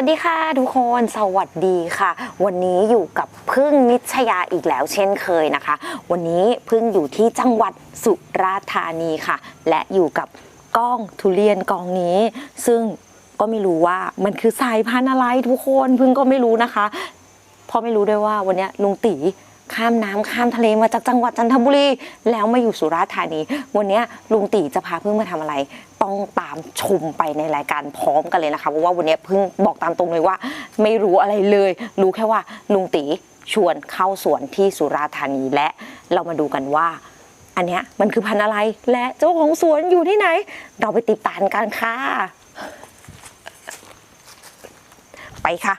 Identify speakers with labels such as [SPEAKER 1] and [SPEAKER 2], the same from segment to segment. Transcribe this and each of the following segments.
[SPEAKER 1] ดีค่ะทุกคนสวัสดีค่ะวันนี้อยู่กับพึ่งนิชยาอีกแล้วเช่นเคยนะคะวันนี้พึ่งอยู่ที่จังหวัดสุราษฎร์ธานีค่ะและอยู่กับก้องทุเรียนกองนี้ซึ่งก็ไม่รู้ว่ามันคือสายพันธุ์อะไรทุกคนพึ่งก็ไม่รู้นะคะเพราะไม่รู้ด้วยว่าวันนี้ลุงตีข้ามน้ำข้ามทะเลมาจากจังหวัดจันทบุรีแล้วมาอยู่สุราษฎร์ธานีวันนี้ลุงตีจะพาพึ่งมาทำอะไรต้องตามชมไปในรายการพร้อมกันเลยนะคะเพราะว่าวันนี้พึ่งบอกตามตรงเลยว่าไม่รู้อะไรเลยรู้แค่ว่าลุงตีชวนเข้าสวนที่สุราษฎร์ธานีและเรามาดูกันว่าอันเนี้ยมันคือพันธุ์อะไรและเจ้าของสวนอยู่ที่ไหนเราไปติดตามกันค่ะไปค่ะ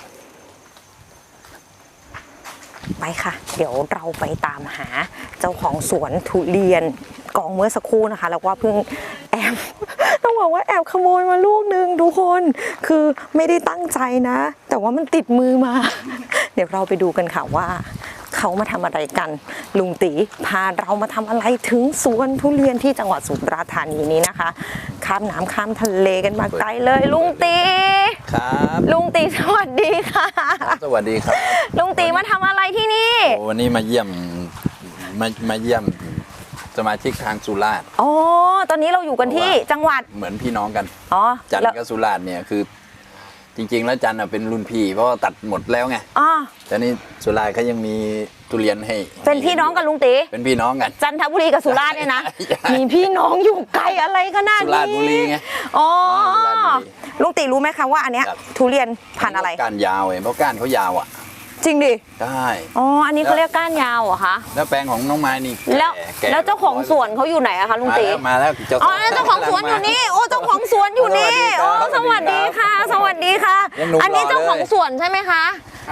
[SPEAKER 1] ไปค่ะเดี๋ยวเราไปตามหาเจ้าของสวนทุเรียนกองเมื่อสักครู่นะคะแล้วก็เพิ่งแอบต้องบอกว่าแอบขโมยมาลูกนึงทุกคนคือไม่ได้ตั้งใจนะแต่ว่ามันติดมือมาเดี๋ยวเราไปดูกันค่ะว่าเขามาทำอะไรกันลุงตีพาเรามาทำอะไรถึงสวนทุเรียนที่จังหวัดสุราษฎร์ธานีนี้นะคะข้ามน้ำข้ามทะเลกันมาไกลเลยลุงตี
[SPEAKER 2] ครับ
[SPEAKER 1] ลุงตีสวัสดีค่ะ
[SPEAKER 2] สวัสดีครับ
[SPEAKER 1] ลุงตีมาทำอะไรที่นี่
[SPEAKER 2] วันนี้มาเยี่ยมสมาชิกทางสุราษฎร์
[SPEAKER 1] อ๋อตอนนี้เราอยู่กันที่จังหวัด
[SPEAKER 2] เหมือนพี่น้องกัน
[SPEAKER 1] อ๋อ
[SPEAKER 2] จันทร์กับสุราษฎร์เนี่ยคือจริงๆแล้วจันทร์เป็นรุ่นพี่เพราะตัดหมดแล้วไง
[SPEAKER 1] อ๋อ
[SPEAKER 2] แต่นี่สุราษฎร์เขายังมีทุเรียนให้
[SPEAKER 1] เป็นพี่น้องกับลุงตี
[SPEAKER 2] เป็นพี่น้องกัน
[SPEAKER 1] จันทบุรีกับสุราษฎร์เนี่ยนะมีพี่น้องอยู่ไกลอะไรขนาดนี้
[SPEAKER 2] สุราษฎร์บุรีไง
[SPEAKER 1] อ๋อลุงตีรู้ไหมคะว่าอันเนี้ยทุเรียนพันธุ์อะไร
[SPEAKER 2] ก้านยาวเพราะก้านเขายาวอ่ะ
[SPEAKER 1] จริงดิ
[SPEAKER 2] ได้
[SPEAKER 1] อ๋ออันนี้เขาเรียกก้านยาวเหรอคะ
[SPEAKER 2] แล้วแปลงของน้องไม้นี่
[SPEAKER 1] แล้วเจ้าของสวนเขาอยู่ไหนอะคะลุงตี
[SPEAKER 2] มาแล้ว
[SPEAKER 1] อ๋อเจ้าของสวนอยู่นี่โอ้เจ้าของสวนอยู่นี่โอ้สวัสดีค่ะสวัสดีค่ะอันนี้เจ้าของสวนใช่ไหมคะ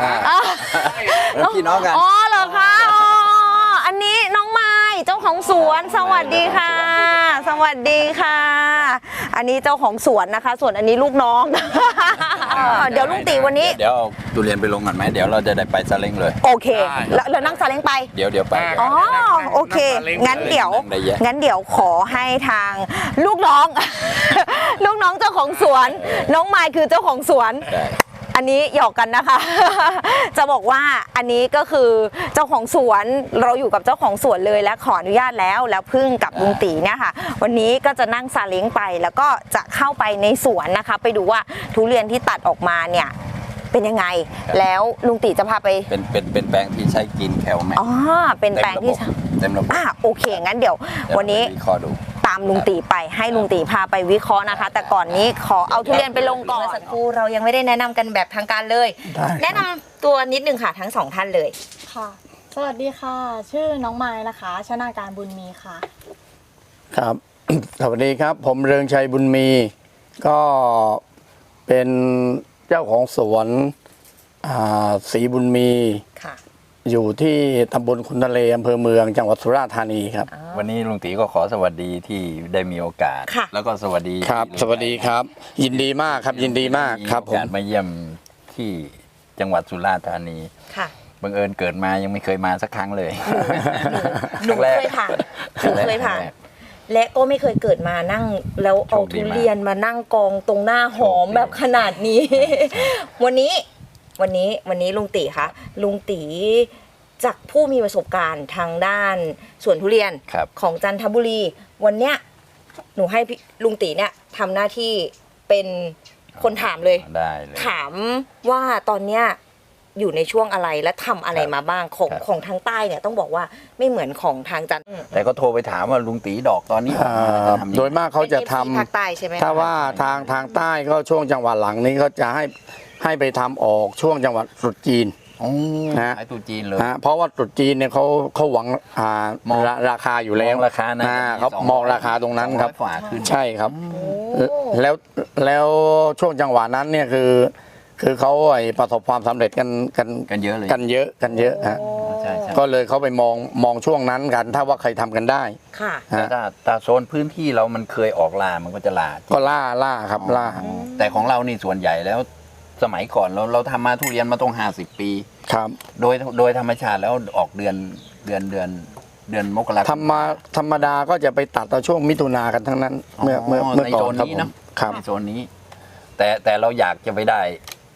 [SPEAKER 2] พี่น้องกัน
[SPEAKER 1] อ๋อเหรอคะอ๋ออันนี้น้องไม้เจ้าของสวนสวัสดีค่ะสวัสดีค่ะอันนี้เจ้าของสวนนะคะส่วนอันนี้ลูกน้องเดี๋ยวลุงตีวันนี้
[SPEAKER 2] เดี๋ยวเอาทุเรียนไปลงกันไหมเดี๋ยวเราจะได้ไปซาเล้งเลย
[SPEAKER 1] โอเคแล้วนั่งซาเล้งไป
[SPEAKER 2] เดี๋ยวไป
[SPEAKER 1] อ๋อโอเคงั้นเดี๋ยวขอให้ทางลูกน้องเจ้าของสวนน้องไม้คือเจ้าของสวนอันนี้หยอกกันนะคะจะบอกว่าอันนี้ก็คือเจ้าของสวนเราอยู่กับเจ้าของสวนเลยและขออนุญาตแล้วพึ่งกับลุงตีเนี่ยค่ะวันนี้ก็จะนั่งซาเล้งไปแล้วก็จะเข้าไปในสวนนะคะไปดูว่าทุเรียนที่ตัดออกมาเนี่ยเป็นยังไงแล้วลุงตีจะพาไป
[SPEAKER 2] เป็นแปลงที่ใช้กินแคลแมก
[SPEAKER 1] อ๋อเป็นแปลงที่
[SPEAKER 2] เต็มระบบ
[SPEAKER 1] โอเคงั้นเดี๋ยววันนี้ตามลุงตีไปให้ลุงตีพาไปวิเคราะห์นะคะแต่ก่อนนี้ขอเอาทุเรียนไปลงก่อนสักครู่เรายังไม่ได้แนะนำกันแบบทางการเลยแนะนำตัวนิดนึงค่ะทั้งสองท่านเลย
[SPEAKER 3] ค่ะสวัสดีค่ะชื่อน้องไม้นะคะชนาการบุญมีค่ะ
[SPEAKER 4] ครับ สวัสดีครับผมเรืองชัยบุญมีก็เป็นเจ้าของสวนศรีบุญมีอยู่ที่ตำบลขุนทะเลอำเภอเมืองจังหวัดสุราษฎร์ธานีครับ
[SPEAKER 2] วันนี้ลุงตีก็ขอสวัสดีที่ได้มีโอกาสแล้วก็สวัสดี
[SPEAKER 4] ครับสวัสดีครับยินดีมากครับยินดีมากครับผม
[SPEAKER 2] มาเยี่ยมที่จังหวัดสุราษฎร์ธานีบังเอิญเกิดมายังไม่เคยมาสักครั้งเลย
[SPEAKER 1] หนูเคยผ่านและก็ไม่เคยเกิดมานั่งแล้วเอาทุเรียนมานั่งกองตรงหน้าหอมแบบขนาดนี้วันนี้ลุงตีคะลุงตีจากผู้มีประสบการณ์ทางด้านสวนทุเรียนของจันทบุรีวันเนี้ยหนูให้ลุงตีเนี่ยทำหน้าที่เป็นคนถามเลยถามว่าตอนเนี้ยอยู่ในช่วงอะไรและทำอะไรมาบ้างของทางใต้เนี่ยต้องบอกว่าไม่เหมือนของทางจันทร์
[SPEAKER 2] แต่ก็โทรไปถามว่าลุงตีดอกตอนนี้
[SPEAKER 4] โดยมากเขาจะทำ
[SPEAKER 1] ภาคใต้ใช่ไหม
[SPEAKER 4] ถ้าว่าทางใต้ก็ช่วงจังหวัดหลังนี้เขาจะให้ไปทำออกช่วงจังหวัดตรุษจีน
[SPEAKER 2] นะตรุษจีนเลย
[SPEAKER 4] เพราะว่าตรุษจีนเนี่ยเขาหวังราคาอยู่แล้ว
[SPEAKER 2] ราคานะ
[SPEAKER 4] เขามองราคาตรงนั้นครับใช่ครับแล้วช่วงจังหวะนั้นเนี่ยคือเขาประสบความสำเร็จกัน
[SPEAKER 2] เยอะเลย
[SPEAKER 4] กันเยอะฮะก็เลยเขาไปมองช่วงนั้นกันถ้าว่าใครทำกันได้
[SPEAKER 1] ค่ะ
[SPEAKER 2] แต่โซนพื้นที่เรามันเคยออกล่ามันก็จะ
[SPEAKER 4] ล่าครับล่า
[SPEAKER 2] แต่ของเรานี่ส่วนใหญ่แล้วสมัยก่อนเราทำมาทุเรียนมาต้อง50 ปี
[SPEAKER 4] ครับ
[SPEAKER 2] โดยธรรมชาติแล้วออกเดือนมกราคม
[SPEAKER 4] ธรรมดาก็จะไปตัดตอนช่วงมิถุนากันทั้งนั้นเมื่อก่อน
[SPEAKER 2] ครับในโซนนี้แต่เราอยากจะไปได้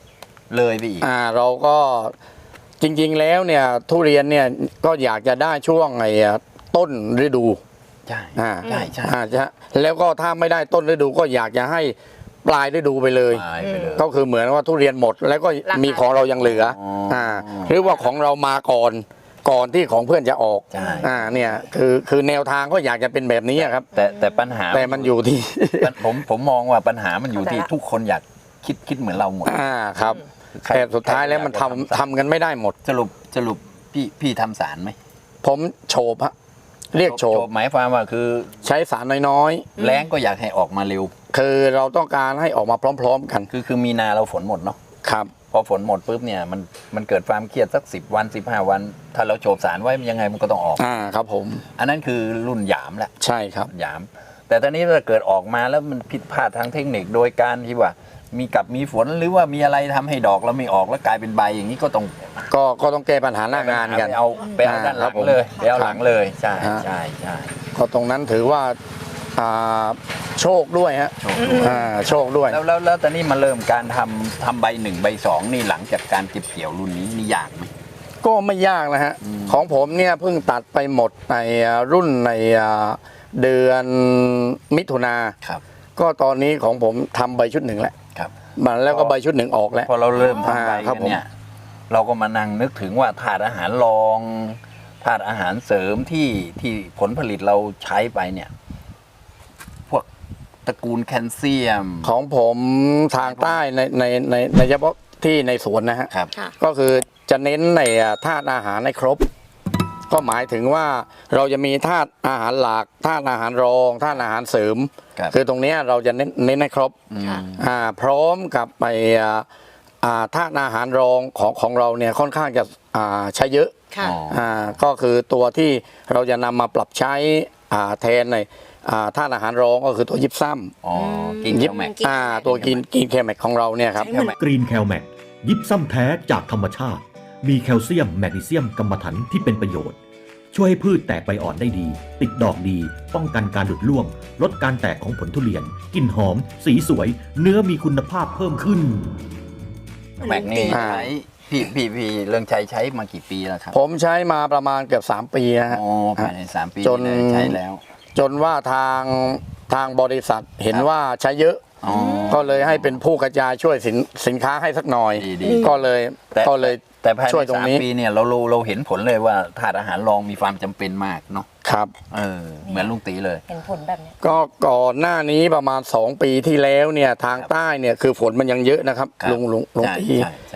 [SPEAKER 2] เลยไปอีก
[SPEAKER 4] เราก็จริงๆแล้วเนี่ยทุเรียนเนี่ยก็อยากจะได้ช่วงต้นฤดู
[SPEAKER 2] ใช่
[SPEAKER 4] อ่า
[SPEAKER 2] ใช่ใช่
[SPEAKER 4] แล้วก็ถ้าไม่ได้ต้นฤดูก็อยากจะให้ปลายฤดูไปเลย
[SPEAKER 2] ตายไปเลย
[SPEAKER 4] ก็คือเหมือนว่าทุเรียนหมด แล้วก็มีของเรายังเหลือ
[SPEAKER 2] อ๋อ
[SPEAKER 4] หรือว่าของเรามาก่อนที่ของเพื่อนจะออก
[SPEAKER 2] ใช่
[SPEAKER 4] เนี่ยคือแนวทางก็อยากจะเป็นแบบนี้ครับ
[SPEAKER 2] แต่ปัญหา
[SPEAKER 4] แต่มันอยู่ที่
[SPEAKER 2] ผมมองว่าปัญหามันอยู่ที่ทุกคนอยากคิดเหมือนเราหมด
[SPEAKER 4] ครับ
[SPEAKER 2] ใคร
[SPEAKER 4] แต่สุดท้ายแล้วมัน
[SPEAKER 2] ใครอยากจะ
[SPEAKER 4] ทำกันไม่ได้หมด
[SPEAKER 2] สรุปพี่ทำสารไหม
[SPEAKER 4] ผมโฉบฮะเรียกโฉบ
[SPEAKER 2] หมายความว่าคือ
[SPEAKER 4] ใช้สารน้อย
[SPEAKER 2] แรงก็อยากให้ออกมาเร็ว
[SPEAKER 4] ๆ คือเราต้องการให้ออกมาพร้อม ๆ กัน
[SPEAKER 2] คือมีนาเราฝนหมดเนาะ
[SPEAKER 4] ครับ
[SPEAKER 2] พอฝนหมดปุ๊บเนี่ยมันเกิดความเครียดสัก10 วัน15 วัน ถ้าเราโฉบสารไว้ยังไงมันก็ต้องออก
[SPEAKER 4] ครับผม
[SPEAKER 2] อันนั้นคือรุ่นหยามแหละ
[SPEAKER 4] ใช่ครับ
[SPEAKER 2] หยาม แต่ตอนนี้ถ้าเกิดออกมาแล้วมันผิดพลาดทางเทคนิคโดยการที่ว่ามีฝนหรือว่ามีอะไรทำให้ดอกแล้วไม่ออกแล้วกลายเป็นใบอย่างนี้ก็ต้อง
[SPEAKER 4] ก็ต้องแก้ปัญหาหน้างานกัน
[SPEAKER 2] ไปเอาด้านหลังเลยไปเอาหลังเลยใช่ใช่ใช่
[SPEAKER 4] ก็ตรงนั้นถือว่าโชคด้วยฮะ
[SPEAKER 2] โชคด้วย
[SPEAKER 4] โชคด้วย
[SPEAKER 2] แล้วตอนนี้มาเริ่มการทำใบ1ใบ2นี่หลังจากการเก็บเกี่ยวรุ่นนี้นี่ยากไหม
[SPEAKER 4] ก็ไม่ยากนะฮะ ของผมเนี่ยเพิ่งตัดไปหมดในรุ่นในเดือนมิถุนา
[SPEAKER 2] ครับ
[SPEAKER 4] ก็ตอนนี้ของผมทำใบชุดหนึ่งแล้ว
[SPEAKER 2] ครับ
[SPEAKER 4] มันแล้วก็ใบชุดหนึ่งออกแล้ว
[SPEAKER 2] พอเราเริ่มทำใบ
[SPEAKER 4] ครั
[SPEAKER 2] กับ น
[SPEAKER 4] ผม
[SPEAKER 2] เนี่ยเราก็มานั่งนึกถึงว่าธาตุอาหารรองธาตุอาหารเสริมที่ผลผลิตเราใช้ไปเนี่ย พวกตระกูลแคลเซียม
[SPEAKER 4] ของผมทางใต้ในเฉพาะที่ในสวนนะฮะ
[SPEAKER 2] ครับ
[SPEAKER 3] ค่ะ
[SPEAKER 4] ก็คือจะเน้นในธาตุอาหารให้ครบ ก็หมายถึงว่าเราจะมีธาตุอาหารหลักธาตุอาหารรองธาตุอาหารเสริม
[SPEAKER 2] ครับ
[SPEAKER 4] คือตรงเนี้ยเราจะเน้นให้ครบ
[SPEAKER 3] ค่ะ
[SPEAKER 4] พร้อมกับไปธาตุอาหารรองของเราเนี่ยค่อนข้างจะใช้เยอะ
[SPEAKER 3] ค่ะ
[SPEAKER 4] ก็คือตัวที่เราจะนำมาปรับใช้แทนในธาตุอาหารรองก็คือตัวยิปซัม
[SPEAKER 2] อ๋อกิน
[SPEAKER 4] ยิ
[SPEAKER 2] แคลแม็ก
[SPEAKER 4] ตัวกินเคแมกของเราเนี่ยครับ
[SPEAKER 5] กรีนแคลแมกยิปซัมแท้จากธรรมชาติ มีแคลเซียม แมกนีเซียมกรรมะถันที่เป็นประโยชน์ ช่วยให้พืชแตกใบอ่อนได้ดี ติดดอกดี ป้องกันการหลุดร่วง ลดการแตกของผลทุเรียน กลิ่นหอม สีสวย เนื้อมีคุณภาพเพิ่มขึ้น
[SPEAKER 2] แม็กนี่ใช้พี่เรื่องใช้มากี่ปีแล้วครับ
[SPEAKER 4] ผมใช้มาประมาณเกือบ3 ปีนะฮะ
[SPEAKER 2] อ๋อภายใน3 ปี
[SPEAKER 4] จน
[SPEAKER 2] เลยใช้แล้ว
[SPEAKER 4] จนว่าทางบริษัทเห็นว่าใช้เยอะ
[SPEAKER 2] อ๋อ
[SPEAKER 4] ก็เลยให้เป็นผู้กระจายช่วยสินค้าให้สักหน่อย
[SPEAKER 2] ดี
[SPEAKER 4] ก็เลย
[SPEAKER 2] แต่ภาย
[SPEAKER 4] ช่วย
[SPEAKER 2] ใน
[SPEAKER 4] ตรงนี้
[SPEAKER 2] 3 ปีเนี่ยเราเห็นผลเลยว่าธาตุอาหารรองมีความจำเป็นมากเนาะ
[SPEAKER 4] ครับ
[SPEAKER 2] เหมือนลุงตีเลย
[SPEAKER 1] เห็นผลแบบเนี้ย
[SPEAKER 4] ก็ก่อนหน้านี้ประมาณ2 ปีที่แล้วเนี่ยทาง
[SPEAKER 2] ครับ
[SPEAKER 4] ใต้เนี่ยคือฝนมันยังเยอะนะครับ
[SPEAKER 2] ครับ
[SPEAKER 4] ลุง
[SPEAKER 2] ใช่
[SPEAKER 4] ตี
[SPEAKER 2] ใช่ใช่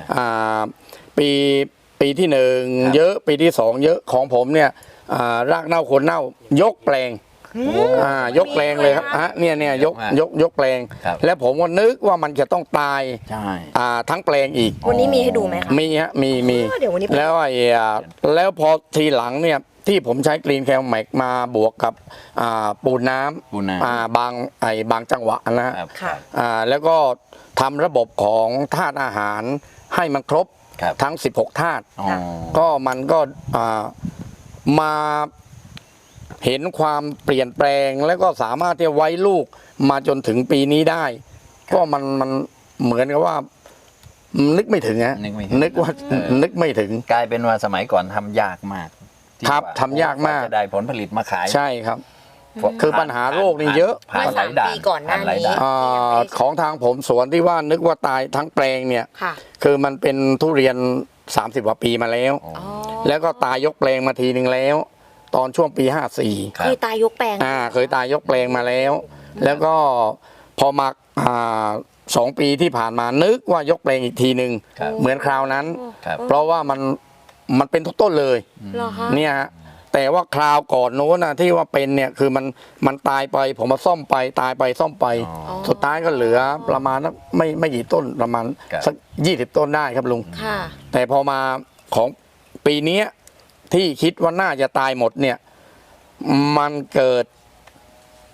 [SPEAKER 4] ปีที่หนึ่ง
[SPEAKER 2] ครับ
[SPEAKER 4] เยอะปีที่2เยอะของผมเนี่ยรากเน่าโคนเน่ายกแปลงยกแปลงเลยครับเนี่ยยกแปลง
[SPEAKER 2] ครับ
[SPEAKER 4] แล้วผมก็นึกว่ามันจะต้องตาย
[SPEAKER 2] ใช่
[SPEAKER 4] ทั้งแปลงอีก
[SPEAKER 6] วันนี้มีให้ดูไหมคะ
[SPEAKER 4] มีฮะมี
[SPEAKER 6] เดี๋ยววันนี้ไป
[SPEAKER 4] แล้วแล้วพอทีหลังเนี่ยที่ผมใช้กรีนแคลแมกมาบวกกับปูนน้ำ
[SPEAKER 2] ปูนน้ำ
[SPEAKER 4] บางจังหวะนะฮะ
[SPEAKER 2] ครับ
[SPEAKER 6] ค่ะ
[SPEAKER 4] แล้วก็ทำระบบของธาตุอาหารให้มันครบ
[SPEAKER 2] ครับ
[SPEAKER 4] ทั้ง 16 ธาตุ
[SPEAKER 2] อ๋อ
[SPEAKER 4] ก็มันก็มาเห็นความเปลี่ยนแปลงแล้วก็สามารถที่จะไว้ลูกมาจนถึงปีนี้ได้ ก็มันเหมือนกับว่านึกไม่ถึงฮะ
[SPEAKER 2] นึกไม่ถึง
[SPEAKER 4] นึกว่า
[SPEAKER 2] เออ
[SPEAKER 4] นึกไม่ถึง
[SPEAKER 2] กลายเป็นว่าสมัยก่อนทำยากมากที่
[SPEAKER 4] ครับ
[SPEAKER 2] ว่
[SPEAKER 4] ทำยากมาก
[SPEAKER 2] จะได้ผลผลิตมาขาย
[SPEAKER 4] ใช่ครับ คือปัญหาโรคนี่เยอะ
[SPEAKER 2] ผ่านหลายด่าน
[SPEAKER 6] ปีก่อนหน้านี้
[SPEAKER 2] ผ่หลยด่
[SPEAKER 4] ของทางผมสวนที่ว่านึกว่าตายทั้งแปลงเนี่ย
[SPEAKER 6] ค่ะ
[SPEAKER 4] คือมันเป็นทุเรียน30 กว่าปีมาแล้ว
[SPEAKER 2] อ๋อ
[SPEAKER 4] แล้วก็ตายยกแปลงมาทีนึงแล้ว ตอนช่วงปี 54
[SPEAKER 2] ครับ
[SPEAKER 6] คือตายยกแปลง
[SPEAKER 4] เคยตายยกแปลงมาแล้ว แล้วก็พอมา2 ปีที่ผ่านมานึกว่ายกแปลงอีกทีหนึ่ง
[SPEAKER 2] ครับ
[SPEAKER 4] เหมือนคราวนั้น
[SPEAKER 2] ครับ
[SPEAKER 4] เพราะว่ามันเป็นทุกต้นเลย
[SPEAKER 6] เหรอคะ
[SPEAKER 4] เนี่ยฮะแต่ว่าคราวก่อนโน้นนะที่ว่าเป็นเนี่ยคือมันตายไปผมมาซ่อมไปตายไปซ่อมไป
[SPEAKER 2] อ๋อ
[SPEAKER 4] สุดท้ายก็เหลือประมาณสักไม่กี่ต้นประมาณ
[SPEAKER 2] ครับ
[SPEAKER 4] สัก20 ต้นได้ครับลุง
[SPEAKER 6] ค่ะ
[SPEAKER 4] แต่พอมาของปีเนี้ยที่คิดว่าน่าจะตายหมดเนี่ยมันเกิด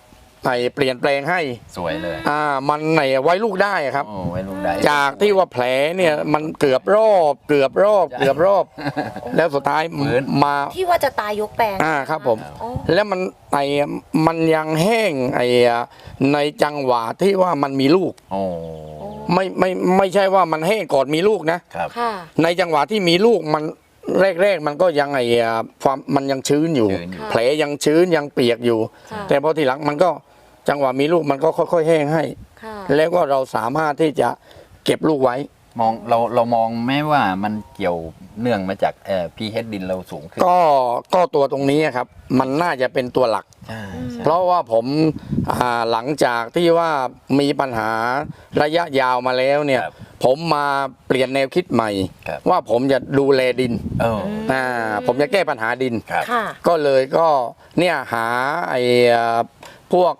[SPEAKER 4] เปลี่ยนแปลงให้
[SPEAKER 2] สวยเลย
[SPEAKER 4] มันไว้ลูกได้ครับ
[SPEAKER 2] โอ้ไว้ลูกได้
[SPEAKER 4] จากที่ว่าแผลเนี่ยมันเกือบรอบ แล้วสุดท้าย
[SPEAKER 2] ฟื้น
[SPEAKER 4] มา
[SPEAKER 6] ที่ว่าจะตายยกแปลง
[SPEAKER 4] ครับผม
[SPEAKER 6] อ๋อ
[SPEAKER 4] แล้วมันยังแห้งในจังหวะที่ว่ามันมีลูก
[SPEAKER 2] โอ้
[SPEAKER 4] ไม่ใช่ว่ามันแห้งก่อนมีลูกนะ
[SPEAKER 2] ครับ
[SPEAKER 6] ค่ะ
[SPEAKER 4] ในจังหวะที่มีลูกมันแรกมันก็ยังความมันยังชื้นอยู่
[SPEAKER 2] ชื้นอยู่
[SPEAKER 4] แผลยังชื้นยังเปียกอยู่
[SPEAKER 6] ค่ะ
[SPEAKER 4] แต่พอทีหลังมันก็จังหวะมีลูกมันก็ค่อยๆแห้งให้
[SPEAKER 6] ค่ะ
[SPEAKER 4] แล้วก็เราสามารถที่จะเก็บลูกไว้
[SPEAKER 2] มองเรามองแม้ว่ามันเกี่ยวเนื่องมาจากpH ดินเราสูงขึ้น
[SPEAKER 4] ก็ตัวตรงนี้ครับ มันน่าจะเป็นตัวหลัก
[SPEAKER 2] ใช่ใช่
[SPEAKER 4] เพราะว่าผมหลังจากที่ว่ามีปัญหาระยะยาวมาแล้วเนี่ย
[SPEAKER 2] ครับ
[SPEAKER 4] ผมมาเปลี่ยนแนวคิดใหม่
[SPEAKER 2] ครับ
[SPEAKER 4] ว่าผมจะดูแลดิน
[SPEAKER 2] เออ
[SPEAKER 4] ผมจะแก้ปัญหาดิน
[SPEAKER 2] ครับ
[SPEAKER 6] ค่ะ
[SPEAKER 4] ก็เลยก็เนี่ยหาพวก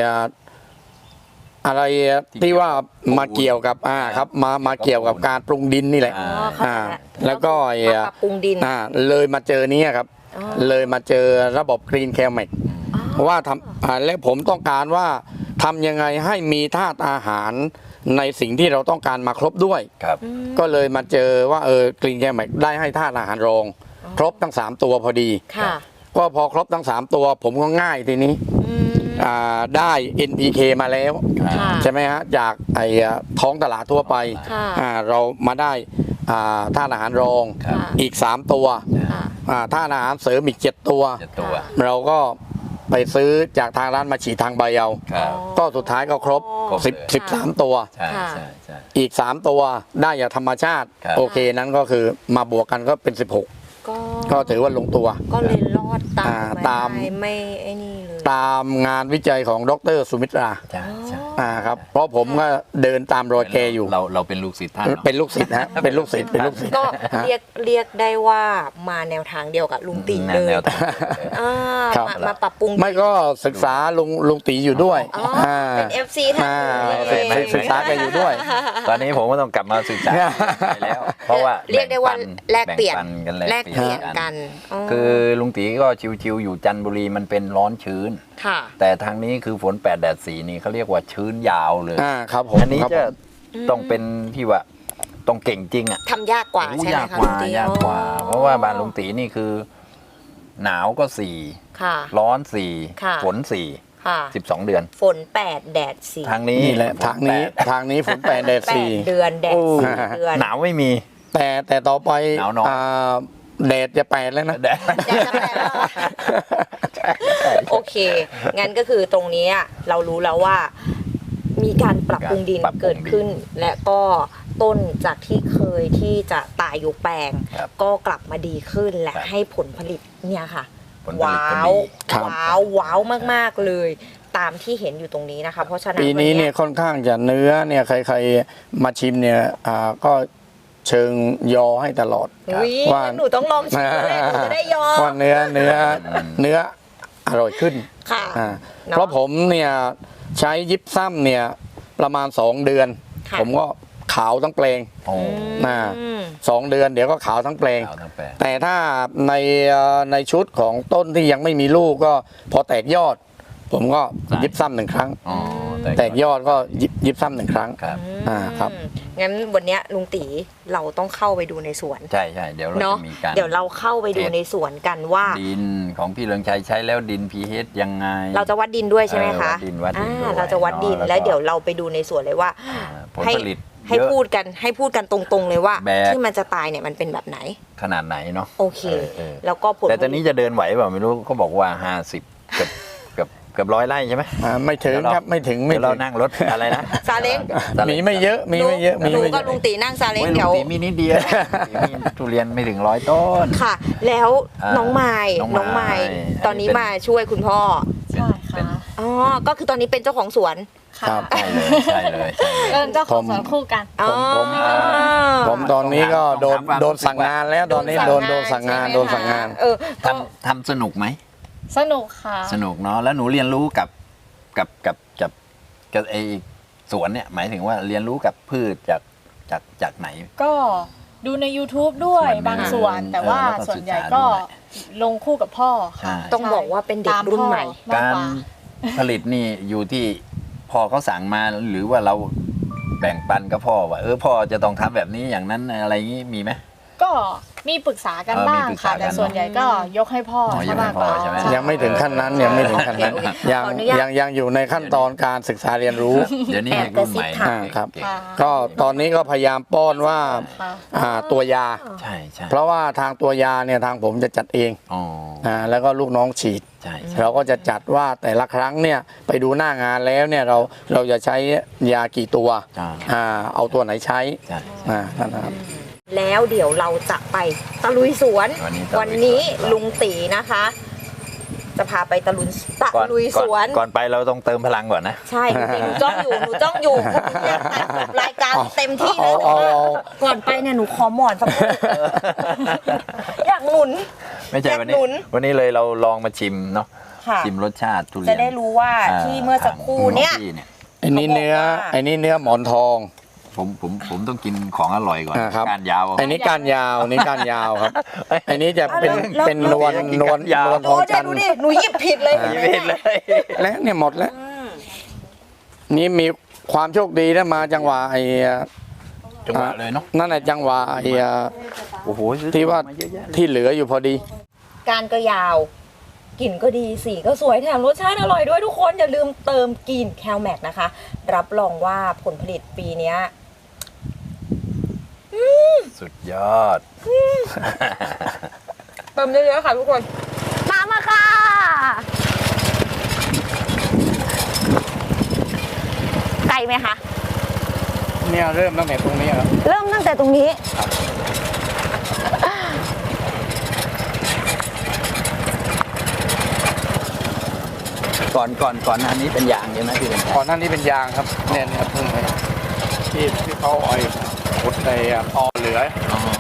[SPEAKER 4] อะไรที่ว่ามาเกี่ยวกับครับมาเกี่ยวกับการปรุงดินนี่แหละ
[SPEAKER 2] อ่า
[SPEAKER 6] เข้าใจละ
[SPEAKER 4] แล้วก็
[SPEAKER 6] มาปรับปรุงดิน
[SPEAKER 4] เลยมาเจอนี้ครับ
[SPEAKER 6] อ๋อ
[SPEAKER 4] เลยมาเจอระบบกรีนแคลเมก ว่าทำและผมต้องการว่าทำยังไงให้มีธาตุอาหารในสิ่งที่เราต้องการมาครบด้วย
[SPEAKER 2] ครับ
[SPEAKER 4] ก็เลยมาเจอว่ากรีนแคลเมกได้ให้ธาตุอาหารรอง ครบทั้ง 3 ตัวพอดี
[SPEAKER 6] ค่ะ
[SPEAKER 4] ก็พอครบทั้ง 3 ตัว ผมก็ง่ายทีนี้
[SPEAKER 6] อืม
[SPEAKER 4] ได้ NPK มาแล้ว
[SPEAKER 6] ค่ะ
[SPEAKER 4] ใช่ไหมฮะจากท้องตลาดทั่วไป
[SPEAKER 6] ค่ะ
[SPEAKER 4] เรามาได้ธาตุอาหารรอง
[SPEAKER 2] ครับ
[SPEAKER 4] อีก 3 ตัว
[SPEAKER 6] ค่ะ
[SPEAKER 4] ธาตุอาหารเสริมอีก 7 ตัว
[SPEAKER 2] จะตัว
[SPEAKER 4] เราก็ไปซื้อจากทางร้านมาฉีดทางใบเอา
[SPEAKER 2] ครับ
[SPEAKER 4] ก็สุดท้ายก็ครบ
[SPEAKER 2] ครบเลย
[SPEAKER 4] 13 ตัว
[SPEAKER 2] ใช่
[SPEAKER 6] ค่ะ
[SPEAKER 2] ใช่ใช่
[SPEAKER 4] อีก 3 ตัวได้จากธรรมชาติ
[SPEAKER 2] ครับ
[SPEAKER 4] โอเคนั้นก็คือมาบวกกันก็เป็น 16 ก็ถือว่าลงตัว
[SPEAKER 6] ก็เลยรอดตาม
[SPEAKER 4] ตาม
[SPEAKER 6] ไม่ไอ้นี่เลย
[SPEAKER 4] ตามงานวิจัยของดรสุมิตรา
[SPEAKER 2] ใช่ใช่
[SPEAKER 4] ครับเพราะผมก็เดินตามรอยแกอยู่
[SPEAKER 2] เราเป็นลูกศิษย์ท่านเนอะ
[SPEAKER 4] เป็นลูกศิษย์ฮะเป็นลูกศิษย์เป็นลูกศิษย์
[SPEAKER 6] ก็เรียกได้ว่ามาแนวทางเดียวกับลุงตีเลย
[SPEAKER 2] แนวทาง
[SPEAKER 6] อ่า
[SPEAKER 4] ครับ
[SPEAKER 6] มาปรับปรุง
[SPEAKER 4] ไม่ก็ศึกษาลุงตีอยู่ด้วย
[SPEAKER 6] อ๋อเป็น FC ท่าน
[SPEAKER 4] ศึกษาแกอยู่ด้วย
[SPEAKER 2] ตอนนี้ผมก็ต้องกลับมาศึกษาไปแล้ว เพราะว่า
[SPEAKER 6] เรียกได้ว่าแลกเปลี่ยน
[SPEAKER 2] แบ่งปักัน
[SPEAKER 6] แลกเปลี่ยนกันอ๋อ
[SPEAKER 2] คือลุงตีก็ชิวๆอยู่จันทบุรีมันเป็นร้อนชื้น
[SPEAKER 6] ค่ะ
[SPEAKER 2] แต่ทางนี้คือฝน8 แดด 4นี่เขาเรียกว่าชื้นยาวเลย
[SPEAKER 4] ครับผม
[SPEAKER 2] อันนี้
[SPEAKER 4] ครับ
[SPEAKER 2] จะ
[SPEAKER 4] ผม
[SPEAKER 2] ต้องเป็นที่ว่าต้องเก่งจริงอ่ะ
[SPEAKER 6] ทำยากกว่า
[SPEAKER 2] โอ้
[SPEAKER 6] ใช่ไหม
[SPEAKER 2] ยาก
[SPEAKER 6] คะ
[SPEAKER 2] ก
[SPEAKER 6] ลุ
[SPEAKER 2] ว่าง
[SPEAKER 6] ตี
[SPEAKER 2] ยากกว่า เพราะว่าบ้านลุงตีนี่คือ หนาวก็
[SPEAKER 6] ค่ะ
[SPEAKER 2] 4ร้อน
[SPEAKER 6] ค่ะ
[SPEAKER 2] 4ฝน
[SPEAKER 6] ค่ะ
[SPEAKER 2] 4 12 เดือน
[SPEAKER 6] ฝน8แดด4
[SPEAKER 2] ทางนี้
[SPEAKER 4] นี่แหละ
[SPEAKER 2] ฝ
[SPEAKER 4] ทางนี้
[SPEAKER 2] แปด
[SPEAKER 4] ทางนี้ฝน8แดด
[SPEAKER 6] 8เดือนแดด
[SPEAKER 2] โอ้
[SPEAKER 6] 4เดือน
[SPEAKER 2] หนาวไม่มี
[SPEAKER 4] 4แต่ต่อไป
[SPEAKER 2] หนาวน้อย
[SPEAKER 4] แดดจะ8แล้วนะ
[SPEAKER 2] แดด
[SPEAKER 6] แดดจะแปดแล้วโอเค งั้นก็คือตรงนี้เรารู้แล้วว่า มีการปรับปรุงดิน
[SPEAKER 2] ปรับปรุงดิน
[SPEAKER 6] เกิดขึ้น และก็ต้นจากที่เคยที่จะตายยกแปลง
[SPEAKER 2] ครับ
[SPEAKER 6] ก็กลับมาดีขึ้นและ
[SPEAKER 2] ครับ
[SPEAKER 6] ให้ผลผลิตเนี่ยค่ะ
[SPEAKER 2] ผลผลิต
[SPEAKER 6] ว้า
[SPEAKER 2] ก็
[SPEAKER 6] ว
[SPEAKER 2] ดี
[SPEAKER 4] ครับ
[SPEAKER 6] ว้าวมากๆเลย ตามที่เห็นอยู่ตรงนี้นะคะ เพราะฉะนั้น
[SPEAKER 4] ปีนี้
[SPEAKER 6] วั
[SPEAKER 4] เนี่ยค่อนข้างจะเนื้อเนี่ยใครๆมาชิมเนี่ยก็เชิงยอให้ตลอด
[SPEAKER 6] อุ๊ย
[SPEAKER 4] ว่า
[SPEAKER 6] หนูต้องลองชิมเลยหนูจะได้ยอม
[SPEAKER 4] ว่าเนื้ออร่อยขึ้น
[SPEAKER 6] ค่ะ
[SPEAKER 4] อ่า
[SPEAKER 6] เนอะ
[SPEAKER 4] เพราะผมเนี่ยใช้ยิปซัมเนี่ยประมาณ 2 เดือน
[SPEAKER 6] ค่ะ
[SPEAKER 4] ผมก็ขาวทั้งแปลง
[SPEAKER 2] โอ้
[SPEAKER 6] อืม
[SPEAKER 4] 2 เดือนเดี๋ยวก็ขาวทั้งแปลง
[SPEAKER 2] ขาวทั้งแปลง
[SPEAKER 4] แต่ถ้าในชุดของต้นที่ยังไม่มีลูกก็พอแตกยอด ผมก็ยิบซ้ำ1 ครั้ง
[SPEAKER 2] อ๋อ
[SPEAKER 4] แตกยอดก็ยิบซ้ำ1 ครั้ง
[SPEAKER 2] ครับ
[SPEAKER 4] ครับ
[SPEAKER 6] งั้นวันเนี้ยลุงตีเราต้องเข้าไปดูในสวน
[SPEAKER 2] ใช่ใช่เดี๋ยวเรา
[SPEAKER 6] เนาะ
[SPEAKER 2] จะมีการ
[SPEAKER 6] เดี๋ยวเราเข้าไปดูในสวนกันว่า
[SPEAKER 2] ดินของพี่เรืองชัยใช้แล้วดิน pH ยังไง
[SPEAKER 6] เราจะวัดดินด้วยใช่ไหมคะ
[SPEAKER 2] วัดดินด้วย
[SPEAKER 6] เราจะวัดดิน
[SPEAKER 2] เนอะ
[SPEAKER 6] แล้วเดี๋ยวเราไปดูในสวนเลยว่า
[SPEAKER 2] ผล
[SPEAKER 6] ให้
[SPEAKER 2] ผลิต
[SPEAKER 6] ให้
[SPEAKER 2] เยอะ
[SPEAKER 6] พูดกันตรงๆเลยว่า
[SPEAKER 2] แบบ
[SPEAKER 6] ที่มันจะตายเนี่ยมันเป็นแบบไหน
[SPEAKER 2] ขนาดไหนเนาะ
[SPEAKER 6] โอเค
[SPEAKER 2] เออ
[SPEAKER 6] แล้วก็ผล
[SPEAKER 2] แต่ตอนนี้จะเดินไหวเปล่าไม่รู้เขาบอกว่า 50เกือบ100 ไร่ใช่ไหม
[SPEAKER 4] ไม่ถึงครับไม่ถึง
[SPEAKER 2] เดี๋ยวเรานั่งรถอะไรนะ
[SPEAKER 6] ซาเล้ง
[SPEAKER 4] มีไม่เยอะมีไม่เยอะมี
[SPEAKER 6] หนู
[SPEAKER 4] ไม่เย
[SPEAKER 6] ก็
[SPEAKER 4] อะ
[SPEAKER 6] ลุงตีนั่งซาเล้ง
[SPEAKER 2] โอ้ย
[SPEAKER 6] เดี๋ยว
[SPEAKER 2] ลุงตีมีนิดเดียวมีทุเรียนไม่ถึง100 ต้น
[SPEAKER 6] ค่ะ แล้ว น้องไม้
[SPEAKER 2] น้องไมค์
[SPEAKER 6] ตอนนี้มาช่วยคุณพ่อ
[SPEAKER 3] ใช่
[SPEAKER 2] เป็น
[SPEAKER 3] ค่ะ
[SPEAKER 6] อ๋อก็คือตอนนี้เป็นเจ้าของสวน
[SPEAKER 3] ค่ะ
[SPEAKER 4] ครับ
[SPEAKER 2] ใช่เลยใช่เลยใช่เลย
[SPEAKER 3] เป็นเจ้าของสวนคู่กัน
[SPEAKER 6] อ๋อ
[SPEAKER 4] ผมตอนนี้ก็โดน
[SPEAKER 2] ต้องหาความ
[SPEAKER 4] โดนสั่งงานแล้วตอนนี้โดนสั่งงาน
[SPEAKER 6] ใช่ไหม
[SPEAKER 4] โดนสั่งงาน
[SPEAKER 6] เออก็
[SPEAKER 2] ทำสนุกไหม
[SPEAKER 3] สนุกค่ะ
[SPEAKER 2] สนุกเนาะแล้วหนูเรียนรู้กับไอสวนเนี่ยหมายถึงว่าเรียนรู้กับพืชจากไหน
[SPEAKER 3] ก็ดูใน YouTube ด้วย
[SPEAKER 2] ส่วนหนึ่ง
[SPEAKER 3] บางส่วน แต่ว่า
[SPEAKER 2] แล้วก็
[SPEAKER 3] ส่วนใหญ่
[SPEAKER 2] ศึกษา
[SPEAKER 3] ก็
[SPEAKER 2] ด้วย
[SPEAKER 3] ลงคู่กับพ่อค่ะ
[SPEAKER 2] ใช่
[SPEAKER 6] ต้องบอกว่าเป็นเด็กรุ่นใหม่
[SPEAKER 3] ตามพ่อมากกว่า
[SPEAKER 2] ผลิตนี่อยู่ที่พ่อเขาสั่งมาหรือว่าเราแบ่งปันกับพ่อว่าพ่อจะต้องทำแบบนี้อย่างนั้นอะไรอย่างนี้มีไหม
[SPEAKER 3] ก็มีปรึกษากันบ้าง
[SPEAKER 2] มีปรึกษา
[SPEAKER 3] ค่ะ
[SPEAKER 2] กัน
[SPEAKER 3] แต่ส่วนใหญ่ก็ยกให้พ่อ
[SPEAKER 2] อ๋อยกให้
[SPEAKER 3] มาก
[SPEAKER 2] พ่
[SPEAKER 3] ก
[SPEAKER 2] อ
[SPEAKER 3] ว่า
[SPEAKER 2] ใช่ไหม
[SPEAKER 4] ยังไม่ถึงขั้นนั้นยังไม่ถึงขั้นนั้น
[SPEAKER 6] โอเค
[SPEAKER 4] ยัง
[SPEAKER 6] ขออนุญาต
[SPEAKER 4] ยังอยู่ในขั้นตอนการศึกษาเรียนรู้
[SPEAKER 2] เดี๋ยวนี้
[SPEAKER 6] แอบ
[SPEAKER 2] เด็กรุ่นใหม่
[SPEAKER 6] กระซิบถาม
[SPEAKER 4] ครับ
[SPEAKER 2] เก่ง
[SPEAKER 3] ค่ะ
[SPEAKER 4] ก็ตอนนี้ก็พยายามป้อนว่า
[SPEAKER 3] ค่ะ
[SPEAKER 4] ตัวยา
[SPEAKER 2] ใช่ใช่
[SPEAKER 4] เพราะว่าทางตัวยาเนี่ยทางผมจะจัดเอง
[SPEAKER 2] อ๋อ
[SPEAKER 4] แล้วก็ลูกน้องฉีด
[SPEAKER 2] ใช่ใช่
[SPEAKER 4] เราก็จะจัดว่าแต่ละครั้งเนี่ยไปดูหน้างานแล้วเนี่ยเราจะใช้ยากี่ตัว เอาตัวไหนใช้
[SPEAKER 2] ใช่
[SPEAKER 4] นั่นนะครับ
[SPEAKER 6] แล้วเดี๋ยวเราจะไปตะลุยสวน
[SPEAKER 2] วันนี้
[SPEAKER 6] ลุงตีนะคะ จะพาไปตะลุยสวน
[SPEAKER 2] ก่อนไปเราต้องเติมพลังก่อนนะ
[SPEAKER 6] ใช่หนูจ้องอยู่หนูอยากตัดจบรายการเต็มที่เลย
[SPEAKER 4] เอา
[SPEAKER 6] ก่อนไปเนี่ยหนูขอหมอนสักคนอยากหนุน
[SPEAKER 2] ไม่ใช่
[SPEAKER 6] อยาก
[SPEAKER 2] วัน
[SPEAKER 6] หนุ
[SPEAKER 2] นี้
[SPEAKER 6] น
[SPEAKER 2] วันนี้เลยเราลองมาชิมเนาะ
[SPEAKER 6] ค่ะ
[SPEAKER 2] ชิมรสชาติทุเรียน
[SPEAKER 6] จะได้รู้ว่าที่เมื่อสักครู่เนี่ย
[SPEAKER 2] ของพี่เนี่ย
[SPEAKER 4] ไอ้นี่เนื้อ
[SPEAKER 6] เขาบอกว่า
[SPEAKER 4] ไอ้นี่เนื้อหมอนทอง
[SPEAKER 2] ผมต้องกินของอร่อยก่อน
[SPEAKER 4] ครับ
[SPEAKER 2] การยาว
[SPEAKER 4] ไอ้นี่ก้านยาวนี่ก้านยาวครับไอ้นี่จะเป็น
[SPEAKER 6] แล้ว
[SPEAKER 4] เป็นนวล
[SPEAKER 2] แล้ว
[SPEAKER 4] นวล
[SPEAKER 2] ยาว
[SPEAKER 4] นวลท
[SPEAKER 6] โอ้
[SPEAKER 4] อง
[SPEAKER 6] เดี๋
[SPEAKER 4] จั
[SPEAKER 6] ยวน
[SPEAKER 4] ท
[SPEAKER 6] ดู
[SPEAKER 4] ร์
[SPEAKER 6] ดิหนูหยิบผิดเลย
[SPEAKER 2] ไม่เห็นเลย
[SPEAKER 4] และเนี่ยหมดแล้ว นี่มีความโชคดีนะมาจังหวะไอ้
[SPEAKER 2] จังหวะเลยเนาะ
[SPEAKER 4] นั่นแหละจังหวะไอ้
[SPEAKER 2] โอ้โหซื้อ
[SPEAKER 4] ที่ว่า
[SPEAKER 2] มาเยอะแยะเลย
[SPEAKER 4] ที่เหลืออยู่พอดี
[SPEAKER 6] การก็ยาวกลิ่นก็ดีสีก็สวยแถมรสชาติอร่อยด้วยทุกคนอย่าลืมเติมกลิ่นแคลแม็กนะคะ รับรองว่าผลผลิตปีเนี้ย
[SPEAKER 2] สุดยอด
[SPEAKER 6] เติมเยอะๆค่ะทุกคน
[SPEAKER 1] ตามมาค่ะ ไกลไหมคะ
[SPEAKER 4] เนี่ยเริ่มตั้งแต่ตรงนี้ครับ
[SPEAKER 1] เริ่มตั้งแต่ตรงนี้
[SPEAKER 2] ก่อนหน้านี้เป็นยางใช่ไหมพี่เป็น
[SPEAKER 4] ก่อนหน้านี้เป็นยางครับเนี่ยเพิ่งไปที่เขาอ้อยขุดในตอเหลือ
[SPEAKER 2] อ๋อ